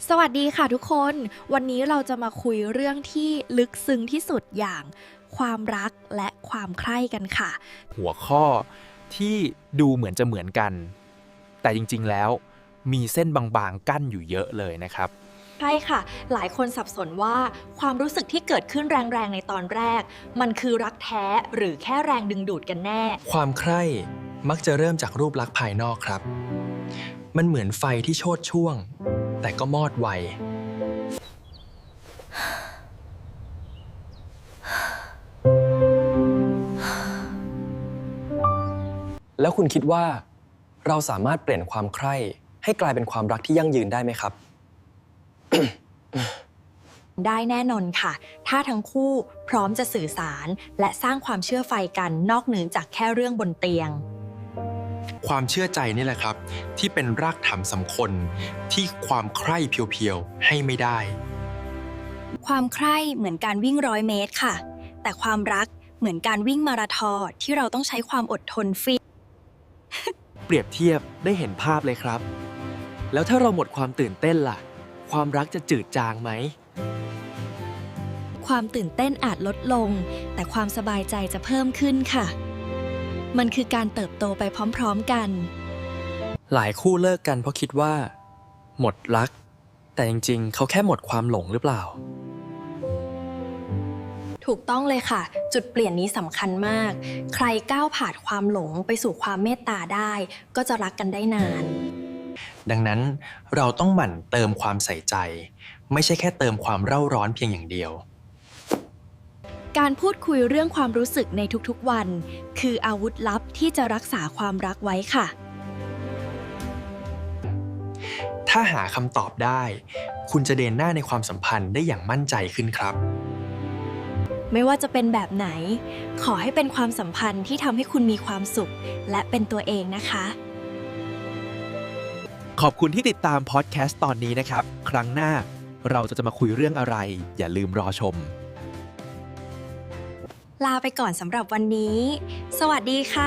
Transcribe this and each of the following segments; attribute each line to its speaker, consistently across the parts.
Speaker 1: สวัสดีค่ะทุกคนวันนี้เราจะมาคุยเรื่องที่ลึกซึ้งที่สุดอย่างความรักและความใคร่กันค่ะ
Speaker 2: หัวข้อที่ดูเหมือนจะเหมือนกัน แต่จริงๆแล้วมีเส้นบางๆกั้นอยู่เยอะเลยนะครับ
Speaker 1: ใช่ค่ะหลายคนสับสนว่าความรู้สึกที่เกิดขึ้นแรงๆในตอนแรกมันคือรักแท้หรือแค่แรงดึงดูดกันแน่
Speaker 3: ความใคร่มักจะเริ่มจากรูปลักษณ์ภายนอกครับ มันเหมือนไฟที่โชติช่วง แต่ก็มอดไว แล้วคุณคิดว่าเราสามารถเปลี่ยนความใคร่ให้กลายเป็นความรักที่ยั่งยืนได้ไหมครับ
Speaker 1: ได้แน่นอนค่ะถ้าทั้งคู่พร้อมจะสื่อสารและสร้างความเชื่อไฟกันนอกเหนือจากแค่เรื่องบนเตียง
Speaker 3: ความเชื่อใจนี่แหละครับ ที่เป็นรากฐานสำคัญที่ความใคร่เพียวๆให้ไม่ได้
Speaker 1: ความใคร่เหมือนการวิ่ง100 เมตรค่ะแต่ความรักเหมือนการวิ่งมาราธอนที่เราต้องใช้ความอดทนฟิต
Speaker 4: เปรียบเทียบได้เห็นภาพเลยครับ แล้วถ้าเราหมดความตื่นเต้นล่ะ ความรักจะจืดจางไหม
Speaker 1: ความตื่นเต้นอาจลดลง แต่ความสบายใจจะเพิ่มขึ้นค่ะ มันคือการเติบโตไปพร้อมๆกัน
Speaker 4: หลายคู่เลิกกันเพราะคิดว่า หมดรัก แต่จริงๆ เขาแค่หมดความหลงหรือเปล่า
Speaker 1: ถูกต้องเลยค่ะ จุดเปลี่ยนนี้สำคัญมาก ใครก้าวผ่านความหลงไปสู่ความเมตตาได้ ก็จะรักกันได้นาน
Speaker 3: ดังนั้นเราต้องหมั่นเติมความใส่ใจ ไม่ใช่แค่เติมความเร่าร้อนเพียงอย่างเดียว
Speaker 1: การพูดคุยเรื่องความรู้สึกในทุกๆวัน คืออาวุธลับที่จะรักษาความรักไว้ค่ะ
Speaker 3: ถ้าหาคำตอบได้ คุณจะเดินหน้าในความสัมพันธ์ได้อย่างมั่นใจขึ้นครับ
Speaker 1: ไม่ว่าจะเป็นแบบไหน ขอให้เป็นความสัมพันธ์ที่ทำให้คุณมีความสุข และเป็นตัวเองนะคะ
Speaker 4: ขอบคุณที่ติดตามพอดแคสต์ตอนนี้นะครับ ครั้งหน้าเราจะมาคุยเรื่องอะไร อย่าลืมรอชม
Speaker 1: ลาไปก่อนสำหรับวันนี้ สวัสดีค่ะ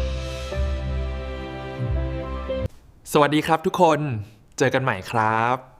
Speaker 2: สวัสดีครับทุกคน เจอกันใหม่ครับ